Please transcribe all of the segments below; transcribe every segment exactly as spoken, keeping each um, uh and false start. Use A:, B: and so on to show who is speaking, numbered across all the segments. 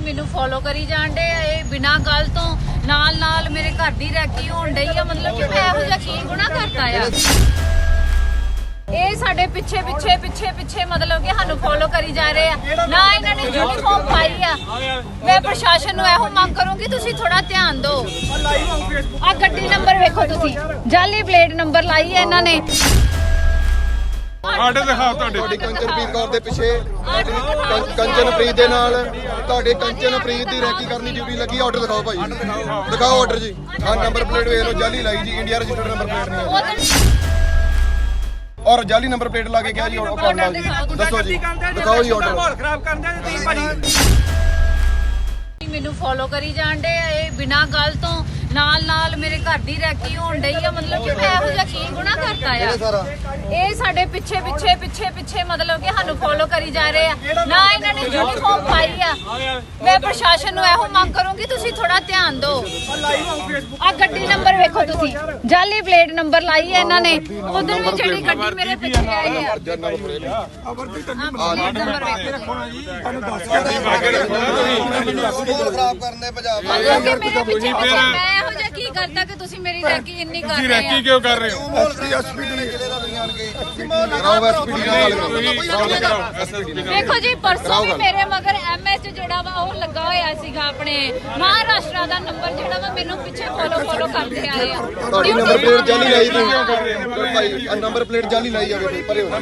A: ਮੈਨੂੰ ਫੋਲੋ ਕਰੀ ਜਾਂਦੇ ਆ ਇਹ ਬਿਨਾਂ ਗੱਲ ਤੋਂ ਨਾਲ ਨਾਲ ਮੇਰੇ ਘਰ ਦੀ ਰੈਕੀ ਹੋਣ ਡਈ ਆ। ਮਤਲਬ ਕਿ ਮੈਂ ਇਹੋ ਜਿਹਾ ਕੀ ਗੁਨਾਹ ਕਰਤਾ ਆ। ਇਹ ਸਾਡੇ ਪਿੱਛੇ ਪਿੱਛੇ ਪਿੱਛੇ ਪਿੱਛੇ ਮਤਲਬ ਕਿ ਸਾਨੂੰ ਫੋਲੋ ਕਰੀ ਜਾ ਰਹੇ ਆ। ਨਾ ਇਹਨਾਂ ਨੇ ਯੂਨੀਫਾਰਮ ਪਾਈ ਆ। ਮੈਂ ਪ੍ਰਸ਼ਾਸਨ ਨੂੰ ਇਹੋ ਮੰਗ ਕਰੂੰਗੀ ਤੁਸੀਂ ਥੋੜਾ ਧਿਆਨ ਦਿਓ। ਆ ਗੱਡੀ ਨੰਬਰ ਵੇਖੋ ਤੁਸੀਂ, ਜਾਲੀ ਪਲੇਟ ਨੰਬਰ ਲਾਈ ਹੈ ਇਹਨਾਂ ਨੇ।
B: ਆਰਡਰ ਦਿਖਾਓ ਤੁਹਾਡੇ
C: ਤੁਹਾਡੀ ਕੰਚਨਪ੍ਰੀਤ ਕੌਰ ਦੇ ਪਿੱਛੇ ਕੰਚਨਪ੍ਰੀਤ ਦੇ ਨਾਲ ਤੁਹਾਡੇ ਕੰਚਨਪ੍ਰੀਤ ਦੀ ਰੈਕੀ ਕਰਨੀ ਡਿਊਟੀ ਲੱਗੀ। ਆਰਡਰ ਦਿਖਾਓ ਭਾਈ, ਦਿਖਾਓ ਆਰਡਰ ਜੀ। ਹਾਂ ਨੰਬਰ ਪਲੇਟ ਵੇਖ ਲਓ, ਜਾਲੀ ਲਾਈ ਜੀ, ਇੰਡੀਆ ਰਜਿਸਟਰਡ ਨੰਬਰ ਪਲੇਟ ਨਹੀਂ ਹੈ ਔਰ ਜਾਲੀ ਨੰਬਰ ਪਲੇਟ ਲਾ ਕੇ ਕਿਹਾ ਜੀ ਆਰਡਰ ਦੱਸੋ ਜੀ, ਦਿਖਾਓ ਜੀ ਆਰਡਰ।
D: ਮਾਹੌਲ ਖਰਾਬ ਕਰਨ ਦੇ ਤੁਸੀਂ ਭਾਜੀ
A: ਮੈਨੂੰ ਫੋਲੋ ਕਰੀ ਜਾਂਦੇ ਆ ਇਹ ਬਿਨਾਂ ਗੱਲ ਤੋਂ ਨਾਲ ਨਾਲ ਮੇਰੇ ਘਰ ਦੀ ਰੈਕੀ ਹੋਣ ਡਈ ਆ। ਮਤਲਬ ਕਿ ਮੈਂ ਇਹੋ ਜਿਹਾ ਕੀ ਗੁਨਾਹ ਕਰਤਾ ਆ। ਇਹ ਸਾਡੇ ਪਿੱਛੇ ਪਿੱਛੇ ਪਿੱਛੇ ਪਿੱਛੇ ਮਤਲਬ ਕਿ ਸਾਨੂੰ ਫੋਲੋ ਕਰੀ ਜਾ ਰਹੇ ਆ। ਨਾ ਇਹਨਾਂ ਨੇ ਯੂਨੀਫਾਰਮ ਪਾਈ ਆ। ਮੈਂ ਪ੍ਰਸ਼ਾਸਨ ਨੂੰ ਇਹੋ ਮੰਗ ਕਰੂੰਗੀ ਤੁਸੀਂ ਥੋੜਾ ਧਿਆਨ ਦਿਓ। ਆ ਗੱਡੀ ਨੰਬਰ ਵੇਖੋ ਤੁਸੀਂ, ਜਾਲੀ ਪਲੇਟ ਨੰਬਰ ਲਾਈ ਹੈ ਇਹਨਾਂ ਨੇ। ਉਧਰ ਵੀ ਜਿਹੜੀ ਗੱਡੀ ਮੇਰੇ ਪਿੱਛੇ ਆਈ ਆ
C: ਖਰਾਬ ਕਰਨੇ ਪੰਜਾਬ
A: ਮਤਲਬ ਕਿ ਮੇਰੇ ਪਿੱਛੇ ਪਿੱਛੇ ਮੈਂ ਇਹੋ ਜਿਹਾ ਕੀ ਕਰਤਾ ਕਿ ਤੁਸੀਂ ਮੇਰੀ ਰੈਕੀ ਇੰਨੀ ਕਰ
B: ਤੁਸੀਂ
A: ਰਹੇ
B: ਰੈਕੀ
A: ਆ।
B: ਕਿਉਂ ਕਰ ਰਹੇ ਹੋ?
C: ਐਸਪੀ ਐਸਪੀ ਦੇ ਜ਼ਿਲ੍ਹੇ ਦਾ ਤੁਸੀਂ ਆਣ ਕੇ ਕਰਾਓ ਐਸਪੀ ਨਾਲ ਗੱਲ ਕਰੋ।
A: ਦੇਖੋ ਜੀ ਪਰਸੋਂ ਵੀ ਮੇਰੇ ਮਗਰ ਐਮਐਚ ਜਿਹੜਾ ਵਾ ਉਹ ਲੱਗਾ ਹੋਇਆ ਸੀਗਾ। ਆਪਣੇ ਮਹਾਰਾਸ਼ਟਰ ਦਾ ਨੰਬਰ ਜਿਹੜਾ ਵਾ ਮੈਨੂੰ ਪਿੱਛੇ ਫੋਲੋ ਫੋਲੋ ਕਰਦੇ ਆਏ ਆ।
C: ਤੁਹਾਡੀ ਨੰਬਰ ਪਲੇਟ ਜਾਲੀ ਲਾਈ ਤੁਸੀਂ ਭਾਈ, ਆ ਨੰਬਰ ਪਲੇਟ ਜਾਲੀ ਲਾਈ ਜਾਵੇ ਪਰੇ ਹੋ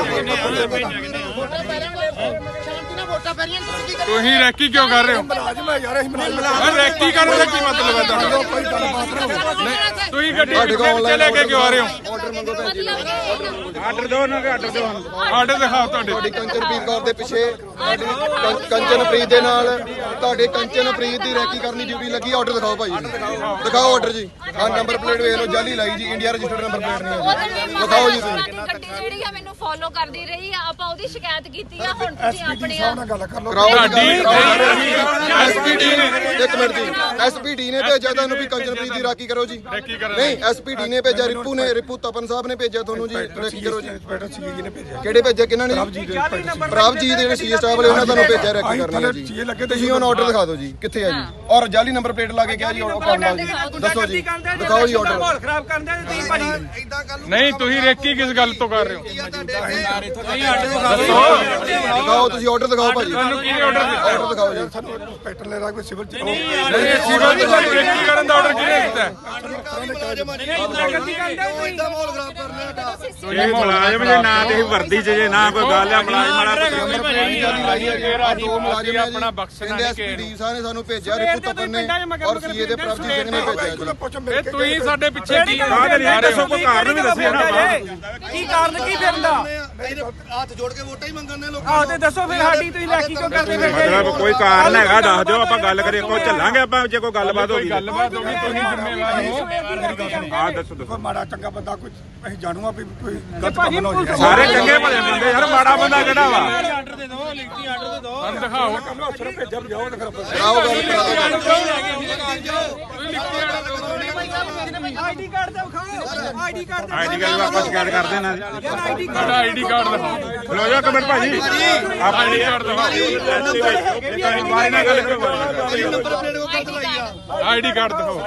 B: ਤੁਸੀਂ ਰੈਕੀ ਕਿਉਂ ਕਰ ਰਹੇ ਹੋ? ਰੈਕੀ ਕਰਨ ਦਾ ਕੀ ਮਤਲਬ ਹੈ ਤੁਹਾਡਾ? ਤੁਸੀਂ ਗੱਡੀ ਪਿੱਛੇ ਲੈ ਕੇ ਕਿਉਂ ਆ ਰਹੇ ਹੋ?
C: ਆਰਡਰ ਮੰਗੋ ਭੈਣ ਜੀ।
B: ਆਰਡਰ ਦਿਓ ਨਾ, ਆਰਡਰ ਦਿਓ। ਆਰਡਰ ਦਿਖਾਓ ਤੁਹਾਡੇ
C: ਤੁਹਾਡੀ ਕੰਚਨਪ੍ਰੀਤ ਕੌਰ ਦੇ ਪਿੱਛੇ ਕੰਚਨਪ੍ਰੀਤ ਦੇ ਨਾਲ ਤੁਹਾਡੇ ਕੰਚਨਪ੍ਰੀਤ ਦੀ ਰੈਕੀ ਕਰਨੀ ਡਿਊਟੀ ਲੱਗੀ। ਆਰਡਰ ਦਿਖਾਓ ਭਾਈ, ਦਿਖਾਓ ਆਰਡਰ ਜੀ। ਹਾਂ ਨੰਬਰ ਪਲੇਟ ਵੇਖ ਲਓ, ਜਾਲੀ ਲਾਈ ਜੀ, ਇੰਡੀਆ ਰਜਿਸਟਰਡ ਨੰਬਰ ਪਲੇਟ ਨਹੀਂ ਹੈ। ਦਿਖਾਓ ਜੀ ਤੁਸੀਂ।
A: ਗੱਡੀ ਜਿਹੜੀ ਆ ਮੈਨੂੰ ਫੋਲੋ ਕਰਦੀ ਰਹੀ ਆ। ਆਪਾਂ ਉਹਦੀ ਸ਼ਿਕਾਇਤ ਕੀਤੀ ਆ। ਹੁਣ ਤੁਸੀਂ ਆਪਣੇ ਆ
C: ਐਸਪੀਡੀ ਨੇ ਇੱਕ ਮਿੰਟ ਜੀ, ਐਸਪੀਡੀ ਨੇ ਭੇਜਿਆ ਤੁਹਾਨੂੰ ਵੀ ਕੰਚਨਪ੍ਰੀਤ ਦੀ ਰਾਖੀ ਕਰੋ ਜੀ। ਨਹੀਂ ਐਸਪੀਡੀ ਨੇ ਭੇਜਿਆ, ਰਿਪੂ ਨੇ ਰਿਪੂ ਤਪਨ ਸਾਹਿਬ ਨੇ ਭੇਜਿਆ ਤੁਹਾਨੂੰ ਜੀ ਰਾਖੀ ਕਰੋ ਜੀ। ਕਿਹੜੇ ਭੇਜਿਆ, ਕਿਹਨਾਂ ਨੇ? ਪ੍ਰਭਜੀਤ ਜਿਹੜੇ ਸੀ ਸਟਾਫ ਵਾਲੇ ਉਹਨਾਂ ਤੁਹਾਨੂੰ ਭੇਜਿਆ ਰਾਖੀ ਕਰਨੀ ਜੀ। ਤੁਸੀਂ ਹੁਣ ਆਰਡਰ ਦਿਖਾ ਦਿਓ ਜੀ ਕਿੱਥੇ ਆ ਜੀ। ਔਰ ਜਾਲੀ ਨੰਬਰ ਪਲੇਟ ਲਾ ਕੇ ਕਿਹਾ ਜੀ ਆਰਡਰ ਦੱਸੋ ਜੀ, ਦਿਖਾਓ ਜੀ ਆਰਡਰ।
D: ਮਾਹੌਲ ਖਰਾਬ ਕਰਨ ਦੇ ਤੁਸੀਂ ਭਾਜੀ
B: ਨਹੀਂ ਤੁਸੀਂ ਰੈਕੀ ਕਿਸ ਗੱਲ ਤੋਂ ਕਰ ਰਹੇ ਹੋ?
C: ਦਿਖਾਓ ਤੁਸੀਂ ਆਰਡਰ ਦਿਖਾਓ ਭਾਜੀ,
B: ਤੁਹਾਨੂੰ ਕਿਹਨੇ ਆਰਡਰ ਦਿੱਤਾ?
C: ਆਰਡਰ ਦਿਖਾਓ ਜੀ।
B: ਸਿਵਲ ਦੀ ਰੈਕੀ ਕਰਨ ਦਾ ਆਰਡਰ ਕਿਹਨੇ ਦਿੱਤਾ?
E: ਇਹ ਮੁਲਾਜ਼ਮ ਜੇ ਨਾ ਤੇ ਵਰਦੀ ਚ ਜੇ ਨਾ ਕੋਈ ਗੱਲ ਆ ਮੁਲਾਜ਼ਮ ਵਾਲਾ
C: ਦੋ ਮੁਲਾਜ਼ਮ ਆਪਣਾ ਬਖਸ਼ਣਾ ਨਹੀਂ ਕਿ ਐਸਪੀਡੀ ਸਾਹਿਬ ਨੇ ਸਾਨੂੰ ਭੇਜਿਆ, ਰਿਪੂ ਤਪਨ ਨੇ ਔਰ ਸੀਏ ਦੇ ਪ੍ਰਭਜੀਤ ਸਿੰਘ ਨੇ ਭੇਜਿਆ ਜੀ।
B: ਇਹ ਤੁਸੀਂ ਸਾਡੇ ਪਿੱਛੇ ਕੀ
E: ਦੱਸੋ ਕੋਈ ਕਾਰਨ ਵੀ ਦੱਸਿਆ ਨਾ
D: ਕੀ ਕਾਰਨ ਕੀ ਫਿਰਦਾ
C: ਹੱਥ ਜੋੜ ਕੇ ਵੋਟਾਂ ਹੀ ਮੰਗਣ ਨੇ ਲੋਕਾਂ
D: ਆਹ ਤੇ ਦੱਸੋ ਫਿਰ ਸਾਡੀ ਤੁਸੀਂ ਲੈਕੀ ਕਿਉਂ ਕਰਦੇ ਫਿਰਦੇ
E: ਮਤਲਬ ਕੋਈ ਕਾਰਨ ਹੈਗਾ ਦੱਸ ਦਿਓ, ਆਪਾਂ ਗੱਲ ਕਰੀਏ। ਕੋਈ ਚੱਲਾਂਗੇ ਆਪਾਂ ਜੇ ਕੋਈ ਗੱਲਬਾਤ ਹੋ ਗਈ।
B: ਗੱਲਬਾਤ ਹੋ ਗਈ ਤੁਸੀਂ ਜ਼ਿੰਮੇਵਾਰ ਹੋ।
E: ਹਾਂ ਦੱਸੋ ਦੱਸੋ।
F: ਮਾੜਾ ਚੰਗਾ ਬੰਦਾ ਕੋਈ ਅਸੀਂ ਜਾਣੂਗਾ ਵੀ ਕੋਈ ਗਲਤ
D: ਭਾਜੀ
F: ਕੰਮ ਨਾ ਹੋ ਜਾਏ।
E: ਸਾਰੇ ਚੰਗੇ ਭਲੇ ਬੰਦੇ ਯਾਰ, ਮਾੜਾ ਬੰਦਾ ਕਿਹੜਾ ਵਾ?
D: ਆਰਡਰ ਦੇ ਦਿਓ, ਲਿਖਤੀ ਆਰਡਰ ਦੇ ਦਿਓ।
B: ਸਾਨੂੰ ਦਿਖਾਓ।
F: ਅਫਸਰ ਭੇਜਿਆ ਜਾਓ ਤੇ ਫਿਰ
C: ਕਰਾਓ ਗੱਲ
D: ਆਈਡੀ ਕਾਰਡ ਦਾ ਵਿਖਾਓ, ਆਈਡੀ ਕਾਰਡ ਦਾ
E: ਆਈਡੀ ਕਾਰਡ ਆਪਾਂ ਸ਼ਿਕਾਇਤ ਕਰ ਦੇਣਾ।
D: ਆਈਡੀ
B: ਤੁਹਾਡਾ ਆਈਡੀ ਕਾਰਡ ਦਿਖਾਓ।
E: ਲੋ ਜਾ ਕਮੈਂਟ ਭਾਜੀ,
B: ਆਪਾਂ ਆਈਡੀ ਕਾਰਡ ਦਿਖਾਓ।
E: ਬਾਰੇ ਨਾਲ ਗੱਲ ਕਰੋ।
B: ਆਈਡੀ ਕਾਰਡ ਦਿਖਾਓ।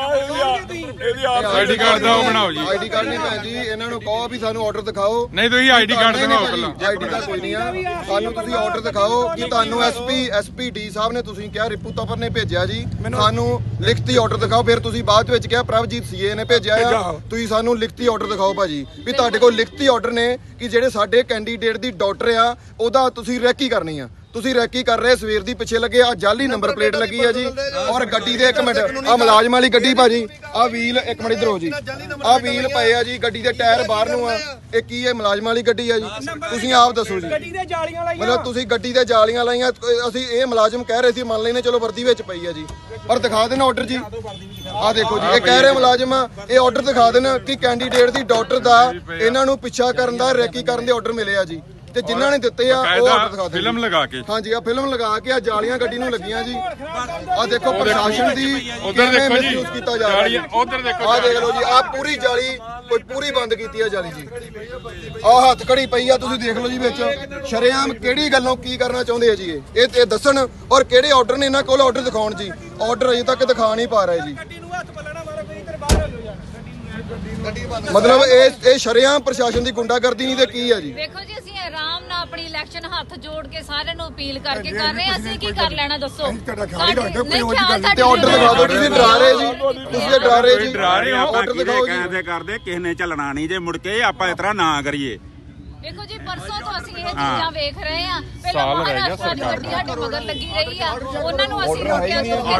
B: ਆਈਡੀ ਕਾਰਡ ਦਾ ਉਹ ਬਣਾਓ ਜੀ।
C: ਆਈਡੀ ਕਾਰਡ ਨਹੀਂ ਭੈਣ ਜੀ, ਇਹਨਾਂ ਨੂੰ ਕਹੋ ਵੀ ਸਾਨੂੰ ਆਰਡਰ ਦਿਖਾਓ।
B: ਨਹੀਂ ਤੁਸੀਂ ਆਈਡੀ ਕਾਰਡ ਦਿਖਾਓ ਪਹਿਲਾਂ।
C: ਆਈਡੀ ਕਾਰਡ ਕੋਈ ਨਹੀਂ ਆ, ਸਾਨੂੰ ਤੁਸੀਂ ਆਰਡਰ ਦਿਖਾਓ ਕਿ ਤੁਹਾਨੂੰ ਐਸਪੀ ਐਸਪੀਡੀ ਸਾਹਿਬ ਨੇ ਤੁਸੀਂ ਕਿਹਾ ਰਿਪੂ ਤਪਨ ਨੇ ਭੇਜਿਆ ਜੀ, ਸਾਨੂੰ ਲਿਖਤੀ ਆਰਡਰ ਦਿਖਾਓ। ਫਿਰ ਤੁਸੀਂ ਬਾਅਦ ਵਿੱਚ ਕਿਹਾ ਪ੍ਰਭਜੀਤ ਸੀਏ ਨੇ ਭੇਜਿਆ ਆ, ਤੁਸੀਂ ਸਾਨੂੰ ਲਿਖਤੀ ਆਰਡਰ ਦਿਖਾਓ ਭਾਜੀ ਵੀ ਤੁਹਾਡੇ ਕੋਲ ਲਿਖਤੀ ਆਰਡਰ ਨੇ ਕਿ ਜਿਹੜੇ ਸਾਡੇ ਕੈਂਡੀਡੇਟ ਦੀ ਡਾਕਟਰ ਆ ਉਹਦਾ ਤੁਸੀਂ ਰੈਕੀ ਕਰਨੀ ਆ। ਤੁਸੀਂ ਰੈਕੀ ਕਰ ਰਹੇ, ਸਵੇਰ ਦੀ ਪਿੱਛੇ ਲੱਗੇ ਆ, ਜਾਲੀ ਨੰਬਰ ਪਲੇਟ ਲੱਗੀ ਆ ਜੀ। ਔਰ ਗੱਡੀ ਦੇ ਇੱਕ ਮਿੰਟ ਆ ਮੁਲਾਜ਼ਮ ਵਾਲੀ ਗੱਡੀ ਭਾਜੀ, ਆ ਵੀਲ ਇੱਕ ਮਿੰਟ ਇਧਰ ਹੋ ਜੀ, ਆ ਵੀਲ ਪਏ ਆ ਜੀ, ਗੱਡੀ ਦੇ ਟਾਇਰ ਬਾਹਰ ਨੂੰ ਆ। ਇਹ ਕੀ ਹੈ? ਮੁਲਾਜ਼ਮ ਵਾਲੀ ਗੱਡੀ ਆ ਜੀ। ਤੁਸੀਂ ਆਪ ਦੱਸੋ ਜੀ।
D: ਗੱਡੀ ਦੇ ਜਾਲੀਆਂ ਲਾਈਆਂ,
C: ਮਤਲਬ ਤੁਸੀਂ ਗੱਡੀ ਤੇ ਜਾਲੀਆਂ ਲਾਈਆਂ। ਅਸੀਂ ਇਹ ਮੁਲਾਜ਼ਮ ਕਹਿ ਰਹੇ ਸੀ ਮੰਨ ਲੈਨੇ ਚਲੋ ਵਰਦੀ ਵਿੱਚ ਪਈ ਆ ਜੀ, ਪਰ ਦਿਖਾ ਦੇਣਾ ਆਰਡਰ ਜੀ। ਆ ਦੇਖੋ ਜੀ, ਇਹ ਕਹਿ ਰਹੇ ਮੁਲਾਜ਼ਮ ਇਹ ਆਰਡਰ ਦਿਖਾ ਦੇਣ ਕਿ ਕੈਂਡੀਡੇਟ ਦੀ ਡਾਕਟਰ ਦਾ ਇਹਨਾਂ ਨੂੰ ਪਿੱਛਾ ਕਰਨ ਦਾ ਰੈਕੀ ਕਰਨ ਦੇ ਆਰਡਰ ਮਿਲੇ ਆ ਜੀ। ਤੇ ਜਿਨ੍ਹਾਂ ਨੇ ਦਿੱਤੇ ਆ ਉਹ ਆਰਡਰ ਦਿਖਾ ਦਿਓ
B: ਫਿਲਮ ਲਗਾ ਕੇ
C: ਹਾਂਜੀ ਆ ਫਿਲਮ ਲਗਾ ਕੇ ਆ ਜਾਲੀਆਂ ਗੱਡੀ ਨੂੰ ਲੱਗੀਆਂ ਜੀ ਆ ਦੇਖੋ ਪ੍ਰਸ਼ਾਸਨ ਦੀ
B: ਉਧਰ ਦੇਖੋ ਜੀ
C: ਯੂਜ਼ ਕੀਤਾ ਜਾ ਰਿਹਾ
B: ਜਾਲੀਆਂ ਉਧਰ ਦੇਖੋ
C: ਆ ਦੇਖ ਲਓ ਜੀ ਆ ਪੂਰੀ ਜਾਲੀ ਕੋਈ ਪੂਰੀ ਬੰਦ ਕੀਤੀ ਆ ਜਾਲੀ ਜੀ ਆ ਹੱਥ ਕੜੀ ਪਈ ਆ ਤੁਸੀਂ ਦੇਖ ਲਓ ਜੀ ਵਿੱਚ ਸ਼ਰੇਆਮ ਕਿਹੜੀ ਗੱਲੋਂ ਕੀ ਕਰਨਾ ਚਾਹੁੰਦੇ ਆ ਜੀ ਇਹ ਇਹ ਇਹ ਦੱਸਣ ਔਰ ਕਿਹੜੇ ਆਰਡਰ ਨੇ ਇਹਨਾਂ ਕੋਲ ਆਰਡਰ ਦਿਖਾਉਣ ਜੀ ਆਰਡਰ ਅਜੇ ਤੱਕ ਦਿਖਾ ਨਹੀਂ ਪਾ ਰਹੇ ਜੀ
D: ਗੱਡੀ ਨੂੰ ਹੱਥ ਪੱਲਣਾ ਮਾਰੋ ਕੋਈ ਇੱਧਰ ਬਾਹਰ ਹੋ ਜਾਓ
C: ਮਤਲਬ ਇਹ ਇਹ ਸ਼ਰੇਆਮ ਪ੍ਰਸ਼ਾਸਨ ਦੀ ਗੁੰਡਾਗਰਦੀ ਨਹੀਂ ਤੇ ਕੀ ਆ ਜੀ
A: ਦੇਖੋ ਜੀ ਅਸੀਂ ਆਰਾਮ ਨਾਲ ਆਪਣੀ ਇਲੈਕਸ਼ਨ ਹੱਥ ਜੋੜ ਕੇ ਸਾਰਿਆਂ ਨੂੰ ਅਪੀਲ ਕਰਕੇ ਕਰ ਰਹੇ ਹਾਂ ਅਸੀਂ ਕੀ ਕਰ ਲੈਣਾ ਦੱਸੋ
F: ਤੁਹਾਡਾ ਖਿਆਲ ਹੀ ਰੱਖਦੇ ਹੋ, ਕੋਈ
A: ਨਹੀਂ,
F: ਹੋਰ ਦੀ ਗੱਲ
A: ਖਿਆਲ
C: ਤੇ ਆਰਡਰ ਦਿਖਾ ਦਿਓ ਤੁਸੀਂ ਡਰਾ ਰਹੇ ਜੀ ਤੁਸੀਂ ਇਹ ਡਰਾ ਰਹੇ ਜੀ
B: ਡਰਾ ਰਹੇ ਹੋ
C: ਆਰਡਰ ਦਿਖਾਓ ਜੀ
E: ਕਹਿੰਦੇ ਕਰਦੇ ਕਿਸੇ ਨੇ ਚੱਲਣਾ ਨਹੀਂ ਜੇ ਮੁੜ ਕੇ ਆਪਾਂ ਇਸ ਤਰ੍ਹਾਂ ਨਾ ਕਰੀਏ।
A: ਦੇਖੋ ਜੀ ਪਰਸੋਂ ਤੋਂ ਅਸੀਂ ਇਹ ਚੀਜ਼ਾਂ ਵੇਖ ਰਹੇ ਹਾਂ ਪਹਿਲਾਂ ਮਹਾਰਾਸ਼ਟਰ ਦੀ ਗੱਡੀ ਸਾਡੇ ਮਗਰ ਲੱਗੀ ਰਹੀ ਆ ਉਹਨਾਂ ਨੂੰ ਅਸੀਂ ਰੋਕਿਆ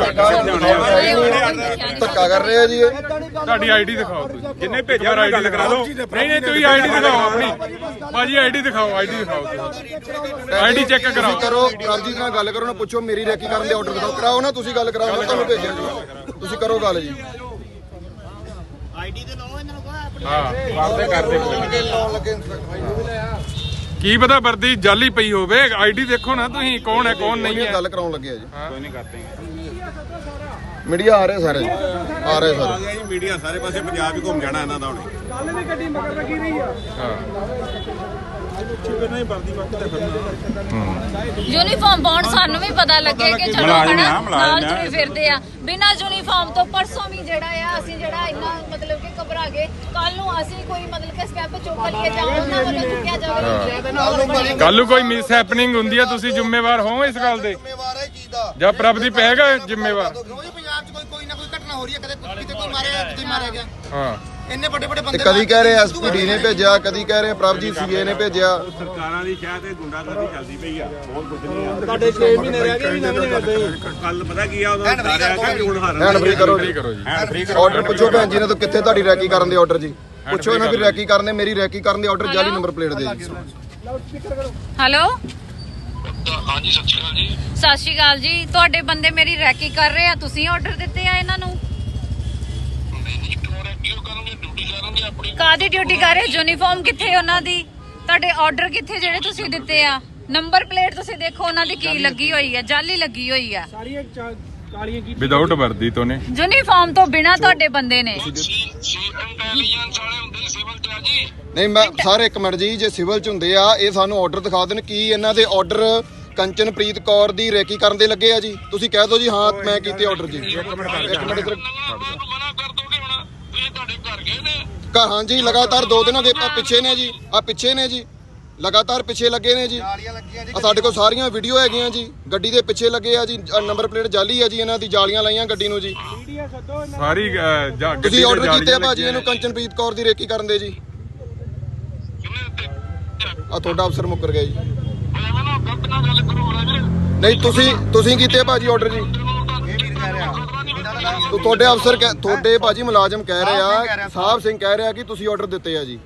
C: ਧੱਕਾ ਕਰ ਰਹੇ ਆ ਜੀ ਇਹ
B: ਤੁਹਾਡੀ ਆਈਡੀ ਦਿਖਾਓ ਤੁਸੀਂ
E: ਜਿੰਨੇ ਭੇਜਿਆ ਉਹਨਾਂ ਗੱਲ ਕਰਾ ਦਿਓ।
B: ਨਹੀਂ ਨਹੀਂ ਤੁਸੀਂ ਆਈਡੀ ਦਿਖਾਓ ਆਪਣੀ ਭਾਜੀ ਆਈਡੀ ਦਿਖਾਓ ਆਈਡੀ ਦਿਖਾਓ ਤੁਸੀਂ ਆਈਡੀ ਚੈੱਕ ਕਰਾਓ
C: ਤੁਸੀਂ ਕਰੋ ਪ੍ਰਭਜੀਤ ਨਾਲ ਗੱਲ ਕਰੋ ਨਾ ਪੁੱਛੋ ਮੇਰੀ ਰੈਕੀ ਕਰਨ ਦੇ ਆਰਡਰ ਦਿਖਾਓ ਕਰਾਓ ਨਾ ਤੁਸੀਂ ਗੱਲ ਕਰਾਓ ਮੈਂ ਤੁਹਾਨੂੰ ਭੇਜਿਆ ਜੀ ਤੁਸੀਂ ਕਰੋ ਗੱਲ ਜੀ
B: ਹਾਂ ਕਰਦੇ ਕਰਦੇ
C: ਲਾਉਣ ਲੱਗੇ
B: ਕੀ ਪਤਾ ਵਰਦੀ ਜਾਲੀ ਪਈ ਹੋਵੇ ਆਈਡੀ ਦੇਖੋ ਨਾ ਤੁਸੀਂ ਕੌਣ ਹੈ ਕੌਣ ਨਹੀਂ ਹੈ
C: ਗੱਲ ਕਰਾਉਣ ਲੱਗੇ ਆ ਜੀ
E: ਕੋਈ ਨਹੀਂ ਕਰਦੇ
C: ਮੀਡੀਆ ਆ ਰਹੇ ਸਾਰੇ ਜੀ ਆ ਰਹੇ ਸਾਰੇ
E: ਮੀਡੀਆ ਸਾਰੇ ਪਾਸੇ ਪੰਜਾਬ ਹੀ ਘੁੰਮ ਜਾਣਾ ਇਹਨਾਂ ਦਾ ਹੁਣੇ
D: ਕੱਲ ਵੀ ਗੱਡੀ ਮਗਰ ਲੱਗੀ ਰਹੀ ਆ
A: ਯੂਨੀਫਾਰਮ ਪਾਉਣ ਸਾਨੂੰ ਵੀ ਪਤਾ ਲੱਗੇ ਕਿ ਚਲੋ
E: ਮੁਲਾਜ਼ਮ
A: ਹਨਾ
E: ਆ, ਮੁਲਾਜ਼ਮ
A: ਨਾਲ
E: ਆ।
A: ਤੁਰੇ ਫਿਰਦੇ ਆ ਬਿਨਾਂ ਯੂਨੀਫਾਰਮ ਤੋਂ ਪਰਸੋਂ ਵੀ ਜਿਹੜਾ ਆ ਅਸੀਂ ਜਿਹੜਾ ਇੰਨਾ ਮਤਲਬ ਕਿ ਘਬਰਾ ਗਏ ਕੱਲ ਨੂੰ ਅਸੀਂ ਕੋਈ ਮਤਲਬ ਕਿ ਸਟੈਪ ਚੁੱਕ ਲਈਏ ਜਾਂ ਉਹਨਾਂ ਵੱਲੋਂ ਚੁੱਕਿਆ ਜਾਵੇ
B: ਕੱਲ ਨੂੰ ਕੋਈ ਮਿਸ ਹੈਪਨਿੰਗ ਹੁੰਦੀ ਹੈ ਤੁਸੀਂ ਜ਼ਿੰਮੇਵਾਰ ਹੋ ਇਸ ਗੱਲ ਦੇ
C: ਜ਼ਿੰਮੇਵਾਰ ਹੈ ਚੀਜ਼ ਦਾ
B: ਜਾਂ ਪ੍ਰਭਦੀਪ ਹੈਗਾ ਜ਼ਿੰਮੇਵਾਰ
C: ਰੋਜ਼ ਪੰਜਾਬ 'ਚ ਕੋਈ ਕੋਈ ਨਾ ਕੋਈ ਘਟਨਾ ਹੋ ਰਹੀ ਹੈ ਕਦੇ ਕਿਤੇ ਕੋਈ ਮਾਰਿਆ ਕਿਤੇ ਮਾਰਿਆ ਗਿਆ
B: ਹਾਂ
C: ਇੰਨੇ ਵੱਡੇ ਵੱਡੇ ਬੰਦੇ ਕਦੀ ਕਹਿ ਰਹੇ ਐਸਪੀਡੀ ਨੇ ਭੇਜਿਆ ਕਦੀ ਕਹਿ ਰਹੇ ਪ੍ਰਭਜੀਤ ਸੀਏ ਨੇ ਭੇਜਿਆ
E: ਸਰਕਾਰਾਂ ਦੀ ਸ਼ਾਇਦ ਇਹ ਗੁੰਡਾਗਰਦੀ ਚੱਲਦੀ ਪਈ ਆ ਬਹੁਤ ਕੁਝ ਨਹੀਂ ਆ।
D: ਤੁਹਾਡੇ ਛੇ ਮਹੀਨੇ ਰਹਿ ਗਏ ਵੀ ਨਵੇਂ ਕਰਦੇ
E: ਕੱਲ ਪਤਾ ਕੀ ਆ ਉਹਦਾ ਸਾਰਿਆ ਕਿ ਹੁਣ ਹਾਰਨ
C: ਹੈਂਡ ਫ੍ਰੀ ਕਰੋ
B: ਫ੍ਰੀ
C: ਜੀ
B: ਕਰੋ ਜੀ
C: ਆਰਡਰ ਪੁੱਛੋ ਭੈਣ ਜੀ ਨੇ ਤਾਂ ਕਿੱਥੇ ਤੁਹਾਡੀ ਰੈਕੀ ਕਰਨ ਦੇ ਆਰਡਰ ਜੀ ਪੁੱਛੋ ਇਹਨਾਂ ਵੀ ਰੈਕੀ ਕਰਨ ਦੇ ਮੇਰੀ ਰੈਕੀ ਕਰਨ ਦੇ ਆਰਡਰ ਜਾਲੀ ਨੰਬਰ ਪਲੇਟ ਦੇ ਜੀ
A: ਹੈਲੋ
G: ਹਾਂਜੀ ਸਤਿ ਸ਼੍ਰੀ ਅਕਾਲ ਜੀ
A: ਸਤਿ ਸ਼੍ਰੀ ਅਕਾਲ ਜੀ ਤੁਹਾਡੇ ਬੰਦੇ ਮੇਰੀ ਰੈਕੀ ਕਰ ਰਹੇ ਆ ਤੁਸੀਂ ਆਰਡਰ ਦਿੱਤੇ ਆ ਇਹਨਾਂ ਨੂੰ
G: ਨਹੀਂ ਨਹੀਂ ਕਿਉਂ ਰਹਿ ਕਿਉਂ ਕਰੋਗੇ ਡਿਊਟੀ ਕਰੋਗੇ ਆਪਣੀ
A: ਕਾਦੀ ਡਿਊਟੀ ਕਰ ਰਹੇ ਯੂਨੀਫਾਰਮ ਕਿੱਥੇ ਉਹਨਾਂ ਦੀ ਤੁਹਾਡੇ ਆਰਡਰ ਕਿੱਥੇ ਜਿਹੜੇ ਤੁਸੀਂ ਦਿੱਤੇ ਆ ਨੰਬਰ ਪਲੇਟ ਤੁਸੀਂ ਦੇਖੋ ਉਹਨਾਂ ਦੀ ਕੀ ਲੱਗੀ ਹੋਈ ਆ ਜਾਲੀ ਲੱਗੀ ਹੋਈ ਆ
D: ਸਾਰੀਆਂ ਚਾ- ਕਾਲੀਆਂ ਕੀ
B: ਵਿਦਆਊਟ ਵਰਦੀ ਤੋਂ ਨੇ
A: ਯੂਨੀਫਾਰਮ ਤੋਂ ਬਿਨਾ ਤੁਹਾਡੇ ਬੰਦੇ ਨੇ
G: ਸੀ ਸੀ ਇੰਟੈਲੀਜੈਂਸ ਵਾਲੇ ਹੁੰਦੇ ਸਿਵਲ ਤੇ ਆ ਜੀ
C: ਨਹੀਂ ਮੈਂ ਸਾਰੇ ਇੱਕ ਮਿੰਟ ਜੀ ਜੇ ਸਿਵਲ ਚ ਹੁੰਦੇ ਆ ਇਹ ਸਾਨੂੰ ਆਰਡਰ ਦਿਖਾ ਦੇਣ ਕੀ ਇਹਨਾਂ ਦੇ ਆਰਡਰ ਕੰਚਨਪ੍ਰੀਤ ਕੌਰ ਦੀ ਰੈਕੀ ਕਰਨ ਦੇ ਲੱਗੇ ਆ ਜੀ ਤੁਸੀਂ ਕਹਿ ਦਿਓ ਜੀ ਹਾਂ ਮੈਂ ਕੀਤੇ ਆਰਡਰ ਜੀ ਇੱਕ ਮਿੰਟ ਇੱਕ ਮਿੰਟ ਇੱਧਰ
G: ਮੈਨੂੰ ਮਨਾ ਕਰ ਦੋਗੇ ਹੁਣ ਇਹ ਤੁਹਾਡੇ ਘਰ ਗਏ ਨੇ
C: ਘਰ ਹਾਂਜੀ ਲਗਾਤਾਰ ਦੋ ਦਿਨਾਂ ਦੇ ਆ ਪਿੱਛੇ ਨੇ ਜੀ ਆ ਪਿੱਛੇ ਨੇ ਜੀ ਲਗਾਤਾਰ ਪਿੱਛੇ ਲੱਗੇ ਨੇ ਜੀ ਆ ਸਾਡੇ ਕੋਲ ਸਾਰੀਆਂ ਵੀਡੀਓ ਹੈਗੀਆਂ ਜੀ ਗੱਡੀ ਦੇ ਪਿੱਛੇ ਲੱਗੇ ਆ ਜੀ ਨੰਬਰ ਪਲੇਟ ਜਾਲੀ ਆ ਜੀ ਇਹਨਾਂ ਦੀ ਜਾਲੀਆਂ ਲਾਈਆਂ ਗੱਡੀ ਨੂੰ ਜੀ
D: ਮੀਡੀਆ ਸੱਦੋ ਇਹਨਾਂ
B: ਸਾਰੀ ਅਹ, ਜਾ- ਗੱਡੀ
C: ਤੁਸੀਂ
B: ਤੇ
C: ਆਰਡਰ ਕੀਤੇ ਆ
B: ਜਾਲੀਆਂ
C: ਭਾਜੀ
B: ਲੱਗੀਆਂ
C: ਇਹਨੂੰ ਕੰਚਨਪ੍ਰੀਤ ਕੌਰ ਦੀ ਰੇਕੀ ਕਰਨ ਦੇ ਜੀ
G: ਕਿੰਨੇ ਤੇ
C: ਆ ਤੁਹਾਡਾ ਅਫਸਰ ਮੁੱਕਰ ਗਿਆ ਜੀ
G: ਐਵੇਂ ਨਾ ਗਲਤ ਨਾ ਗੱਲ ਕਰੋ ਨਾ ਵੀਰੇ
C: ਨਹੀਂ ਤੁਸੀਂ ਤੁਸੀਂ ਕੀਤੇ ਆ ਭਾਜੀ ਆਰਡਰ ਜੀ ਤੋ ਤੁਹਾਡੇ ਅਫਸਰ ਕਹਿ- ਤੁਹਾਡੇ ਭਾਜੀ ਮੁਲਾਜ਼ਮ ਕਹਿ ਰਹੇ ਆ ਸਾਹਿਬ ਸਿੰਘ ਕਹਿ ਰਿਹਾ ਕਿ ਤੁਸੀਂ ਆਰਡਰ ਦਿੱਤੇ ਆ ਜੀ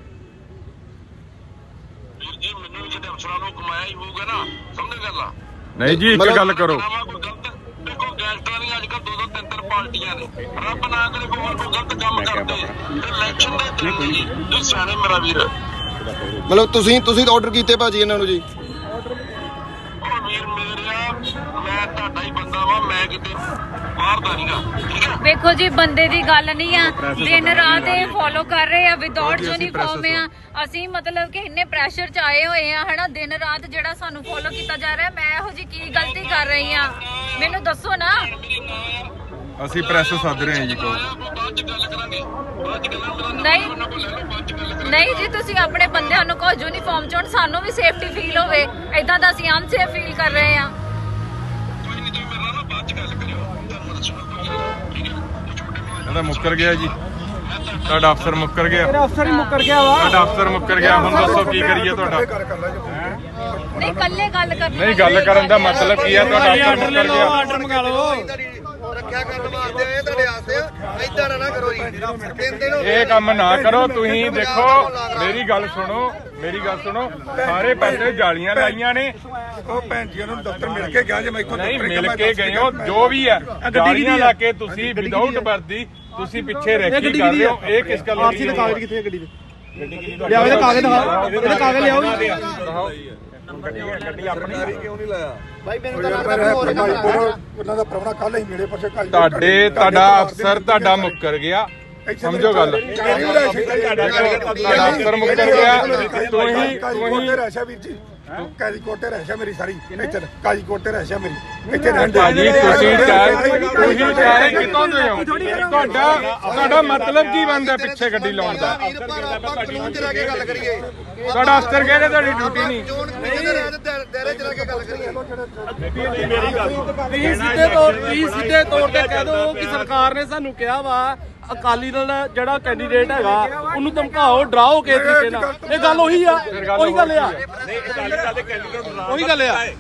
G: ਵੀਰ ਜੀ ਮੈਨੂੰ ਵੀ ਕਿਤੇ ਅਫਸਰਾਂ ਨੂੰ ਕਮਾਇਆ ਹੀ ਹੋਊਗਾ ਨਾ ਸਮਝ ਗੱਲ ਆ
B: ਨਹੀਂ ਜੀ ਇੱਕ ਗੱਲ ਕਰੋ
G: ਆਵਾ ਕੋਈ ਗਲਤ ਦੇਖੋ ਗੈਂਗਸਟਰਾਂ ਦੀਆਂ ਅੱਜ ਕੱਲ੍ਹ ਦੋ ਦੋ ਤਿੰਨ ਤਿੰਨ ਪਾਰਟੀਆਂ ਨੇ ਰੱਬ ਨਾ ਕਰੇ ਕੋਈ ਹੋਰ ਕੋਈ ਗਲਤ ਕੰਮ ਕਰਦੇ ਇਲੈਕਸ਼ਨ ਦੇ ਦਿਨ ਜੀ ਤੁਸੀਂ ਸਿਆਣੇ ਮੇਰਾ ਵੀਰ
C: ਮਤਲਬ ਤੁਸੀਂ ਤੁਸੀਂ ਆਰਡਰ ਕੀਤੇ ਭਾਜੀ ਇਹਨਾਂ ਨੂੰ ਜੀ
G: ਉਹ ਵੀਰ ਮੇਰਿਆ ਮੈਂ ਤੁਹਾਡਾ ਹੀ ਬੰਦਾ ਵਾ ਮੈਂ ਕਿਤੇ ਬਾਹਰ ਦਾ ਨਹੀਂਗਾ ਠੀਕ ਹੈ
A: ਵੇਖੋ ਜੀ ਬੰਦੇ ਦੀ ਗੱਲ ਨਹੀਂ ਆ ਦਿਨ ਰਾਤ ਇਹ ਫੋਲੋ ਕਰ ਰਹੇ ਆ ਵਿਦਆਊਟ ਯੂਨੀਫਾਰਮ ਆ ਅਸੀਂ ਮਤਲਬ ਕਿ ਇੰਨੇ ਪ੍ਰੈਸ਼ਰ ਚ ਆਏ ਹੋਏ ਆ ਹਨਾ ਦਿਨ ਰਾਤ ਜਿਹੜਾ ਸਾਨੂੰ ਫੋਲੋ ਕੀਤਾ ਜਾ ਰਿਹਾ ਮੈਂ ਇਹੋ ਜੀ ਕੀ ਗਲਤੀ ਕਰ ਰਹੀ ਆ ਮੈਨੂੰ ਦੱਸੋ ਨਾ
B: ਅਸੀਂ ਪ੍ਰੈਸ ਸੱਦ ਰਹੇ ਹਾਂ ਜੀ ਕੋਲ
G: ਬਾਅਦ ਚ ਗੱਲ ਕਰਾਂਗੇ ਬਾਅਦ ਚ ਗੱਲਾਂ ਮੇਰਾ
A: ਨਹੀਂ
G: ਨੰਬਰ ਲੈ ਲਓ ਬਾਅਦ ਚ ਗੱਲ ਕਰਾਂਗੇ
A: ਨਹੀਂ ਜੀ ਤੁਸੀਂ ਆਪਣੇ ਬੰਦਿਆਂ ਨੂੰ ਕਹੋ ਯੂਨੀਫਾਰਮ ਚ ਹੁਣ ਸਾਨੂੰ ਵੀ ਸੇਫਟੀ ਫੀਲ ਹੋਵੇ ਏਦਾਂ ਦਾ ਅਸੀਂ ਅਨਸੇਫ ਫੀਲ ਕਰ ਰਹੇ ਆ
G: ਕੋਈ ਨਹੀਂ ਤੁਸੀਂ ਮੇਰੇ ਨਾਲ ਨਾ ਬਾਅਦ ਚ ਗੱਲ ਕਰਿਓ ਤੁਹਾਨੂੰ ਦੱਸੂਗਾ ਕੋਈ ਗੱਲ, ਠੀਕ ਹੈ ਉਹ ਛੋਟੇ ਮੋਬਾਈਲ
B: ਇਹਦਾ ਮੁੱਕਰ ਗਿਆ ਜੀ ਤੁਹਾਡਾ ਅਫਸਰ ਮੁੱਕਰ ਗਿਆ
D: ਤੇਰਾ ਅਫਸਰ ਹੀ ਮੁੱਕਰ ਗਿਆ ਵਾ
B: ਤੁਹਾਡਾ ਅਫਸਰ ਮੁੱਕਰ ਗਿਆ ਹੁਣ ਦੱਸੋ ਕੀ ਕਰੀਏ ਤੁਹਾਡਾ
A: ਨਹੀਂ ਕੱਲੇ ਗੱਲ ਕਰਨੀ
B: ਨਹੀਂ ਗੱਲ ਕਰਨ ਦਾ ਮਤਲਬ ਕੀ ਹੈ ਤੁਹਾਡਾ ਅਫਸਰ ਮੁੱਕਰ ਗਿਆ
D: ਆਰਡਰ ਮੰਗਾ ਲਓ
C: ਰੱਖਿਆ ਕਰਨ ਵਾਸਤੇ ਆਏ ਤੁਹਾਡੇ ਆਸਤੇ ਐਦਾਂ ਨਾ ਕਰੋ ਜੀ ਤਿੰਨ ਦਿਨ
B: ਇਹ ਕੰਮ ਨਾ ਕਰੋ ਤੁਸੀਂ ਦੇਖੋ ਮੇਰੀ ਗੱਲ ਸੁਣੋ ਮੇਰੀ ਗੱਲ ਸੁਣੋ ਸਾਰੇ ਪਾਸੇ ਜਾਲੀਆਂ ਲਾਈਆਂ ਨੇ
F: ਉਹ ਭੈਣ ਜੀ ਨੂੰ ਦਫ਼ਤਰ ਮਿਲ ਕੇ ਗਿਆ ਜੇ ਮੈਂ ਇੱਥੋਂ
B: ਨਹੀਂ
F: ਦਫ਼ਤਰ
B: ਮਿਲ ਕੇ ਗਏ ਹੋ ਜੋ ਵੀ ਹੈ ਜਾਲੀਆਂ ਲਾ ਕੇ ਤੁਸੀਂ ਵਿਦਆਊਟ ਵਰਦੀ ਤੁਸੀਂ ਪਿੱਛੇ ਰੈਕੀ ਕਰ ਰਹੇ ਹੋ ਇਹ ਕਿਸ ਗੱਲ
D: ਆਰਸੀ ਦੇ ਕਾਗਜ਼ ਕਿੱਥੇ ਆ ਗੱਡੀ ਦੇ ਲਿਆਓ ਇਹਦੇ ਕਾਗਜ਼ ਦਿਖਾਓ ਇਹਦੇ ਕਾਗਜ਼ ਲਿਆਓ ਜੀ
E: ਗੱਡੀ ਆਪਣੀ
F: ਕਿਉਂ ਨਹੀਂ ਲਾਇਆ ਭਾਈ ਮੈਨੂੰ ਤਾਂ ਲੱਗਦਾ ਉਹਨਾਂ ਦਾ ਪ੍ਰਾਹੁਣਾ ਕੱਲ ਹੀ ਮਿਲੇ ਪਰਸੇ ਕਾਲੀ
B: ਤੁਹਾਡੇ ਤੁਹਾਡਾ ਅਫਸਰ ਤੁਹਾਡਾ ਮੁੱਕਰ ਗਿਆ ਸਮਝੋ ਗੱਲ ਤੁਹਾਡਾ ਅਫਸਰ ਮੁੱਕਰ ਗਿਆ ਤੁਸੀਂ ਤੁਸੀਂ
F: ਰਹਿਸ਼ਾ ਵੀਰ ਜੀ ਕਾਜੀ ਕੋਟੇ ਰਹਿਸ਼ਾ ਮੇਰੀ ਸਾਰੀ ਇੱਥੇ ਕਾਜੀ ਕੋਟੇ ਰਹਿਸ਼ਾ ਮੇਰੀ ਇੱਥੇ ਰਹਿਣ ਦੇ
B: ਭਾਜੀ ਤੁਸੀਂ ਚਾਹ ਤੁਸੀਂ ਚਾਹ ਕਿਤੋਂ ਦੇ ਹੋ ਤੁਹਾਡਾ ਤੁਹਾਡਾ ਮਤਲਬ ਕੀ ਬਣਦਾ ਪਿੱਛੇ ਗੱਡੀ ਲਾਉਣ ਦਾ
C: ਕਾਨੂੰਨ ਚ ਰਹਿ ਕੇ ਗੱਲ ਕਰੀਏ
B: ਤੁਹਾਡਾ ਅਫਸਰ ਕਹਿੰਦੇ ਤੁਹਾਡੀ ਡਿਊਟੀ ਨਹੀਂ
C: ਦਾਇਰੇ ਚ ਰਹਿ ਕੇ ਗੱਲ ਕਰੀਏ
D: ਤੁਸੀਂ ਸਿੱਧੇ ਤੌਰ ਤੁਸੀਂ ਸਿੱਧੇ ਤੌਰ ਤੇ ਕਹਿ ਦਿਓ ਕਿ ਸਰਕਾਰ ਨੇ ਸਾਨੂੰ ਕਿਹਾ ਵਾ ਅਕਾਲੀ ਦਲ ਜਿਹੜਾ ਕੈਂਡੀਡੇਟ ਹੈਗਾ ਉਹਨੂੰ ਧਮਕਾਓ ਡਰਾਓ ਕਿਸੇ ਤਰੀਕੇ ਨਾਲ ਇਹ ਗੱਲ ਉਹੀ ਆ ਉਹੀ ਗੱਲ ਆ ਉਹੀ ਗੱਲ ਆ